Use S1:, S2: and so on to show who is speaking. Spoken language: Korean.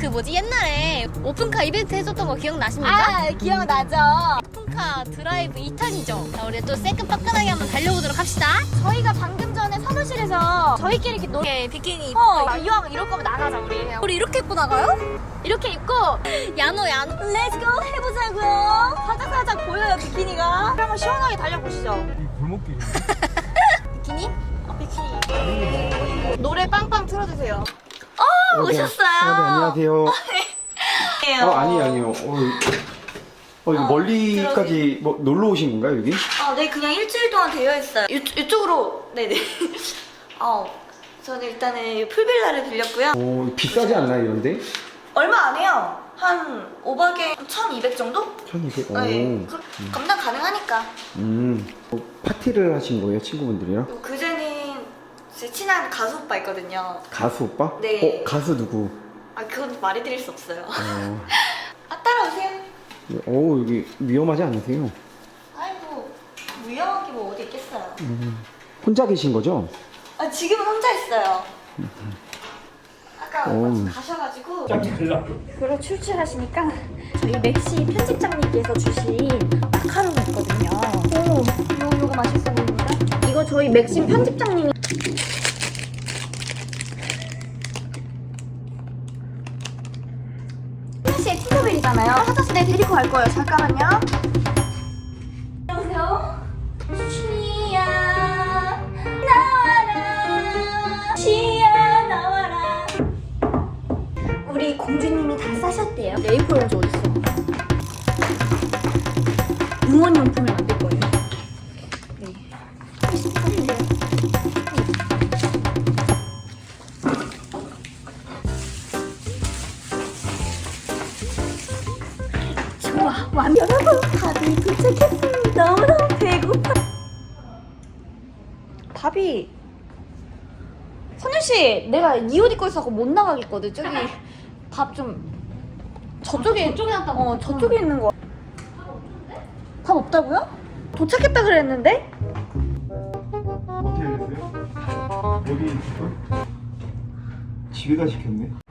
S1: 그 뭐지 옛날에 오픈카 이벤트 해줬던 거 기억나십니까?
S2: 아, 기억나죠?
S1: 오픈카 드라이브 2탄이죠. 자, 우리 또 새끈빠끈하게 한번 달려보도록 합시다.
S2: 저희가 방금 전에 사무실에서 저희끼리 이렇게
S1: 이렇게 비키니
S2: 이왕 이럴 거면 나가자 우리.
S1: 우리 이렇게 입고 나가요?
S2: 이렇게 입고
S1: 야노
S2: 렛츠고 해보자고요. 살짝 보여요 비키니가. 한번 시원하게 달려보시죠.
S3: 이 골목길.
S1: 비키니?
S2: 비키니. 노래 빵빵 틀어주세요.
S1: 오셨어요?
S3: 네, 안녕하세요. 아니에요. 이거 멀리까지 뭐 놀러 오신 건가요, 여기?
S2: 네, 그냥 일주일 동안 되어 있어요. 이쪽으로, 네네. 저는 일단은 풀빌라를 빌렸고요.
S3: 비싸지 않나요, 이런데?
S2: 얼마 안 해요. 한 5박에 1,200 정도?
S3: 1,200.
S2: 네, 감당 가능하니까.
S3: 파티를 하신 거예요, 친구분들이랑?
S2: 그제는 제 친한 가수 오빠 있거든요.
S3: 가수 오빠?
S2: 네.
S3: 가수 누구?
S2: 그건 말해드릴 수 없어요. 따라오세요.
S3: 여기 위험하지 않으세요?
S2: 아이고, 위험한 게 뭐 어디 있겠어요.
S3: 혼자 계신 거죠?
S2: 지금은 혼자 있어요. 아까 마침 가셔가지고. 그래 출출하시니까 저희 맥시 편집장님께서 주신 마카롱이 있거든요. 요거 맛있어 보입니다. 이거 저희 맥심 편집장님이 하나씩 팅커벨이잖아요. 하나씩 내 데리고 갈 거예요. 잠깐만요. 안녕하세요. 시야 나와라. 시야 나와라. 우리 공주님이 다 싸셨대요. 네이플 렌즈 어딨어? 응원용품을 만들 거예요. 네. 좋아, 여러분 밥이 도착했습니다. 너무너무 배고파. 밥이 선율씨, 내가 이 옷 입고 있어서 못 나가겠거든. 저기 밥 좀 저쪽에 놨다. 저쪽에 있는 거. 밥 없다고요? 도착했다 그랬는데?
S3: 어떻게 됐어요? 여기 집에 가시겠네?